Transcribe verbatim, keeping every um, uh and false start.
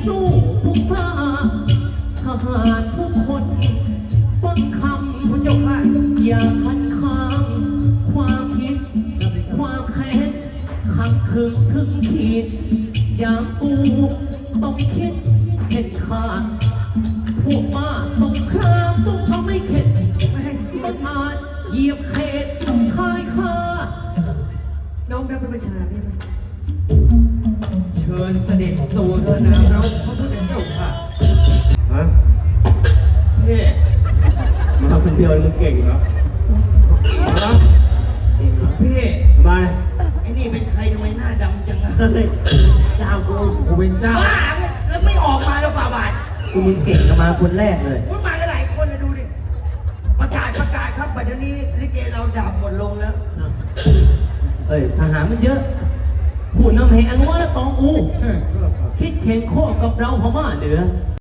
สู้ผู้ฟ้าทหารทุกคนฟังคำพระเจ้าค่ะอย่าคัดค้านความคิดความแค้นขัดขึงถึงขีดอย่างกูต้องคิดเห็นขาดพวกมาสงครามต้องทำให้เข็ดไม่ให้มันอาจเหยียบเขตชายคาน้องรับเป็นประชาเนี่ยเชิญเสด็จสู่สนามรบพระพุทธเจ้าค่ะฮะเฮ้มาคนเดียวมึงเก่งเหรอฮะพี่ทำไมไอ้นี่เป็นใครทำไมหน้าดำจังอะเฮ้ยเจ้ากูกูเป็นเจ้าบ้าเนี่ยแล้วไม่ออกมาแล้วฝ่าบาทกูมึงเก่งกันมาคนแรกเลยมันมากันหลายคนนะดูดิประกาศประกาศครับบัดนี้ลิเกเราดับหมดลงแล้วเอ้ยทหารมันเยอะผู้นำแห่งอันว่าและตองอู คิดแข่งข้อกับเราพม่าเหนือ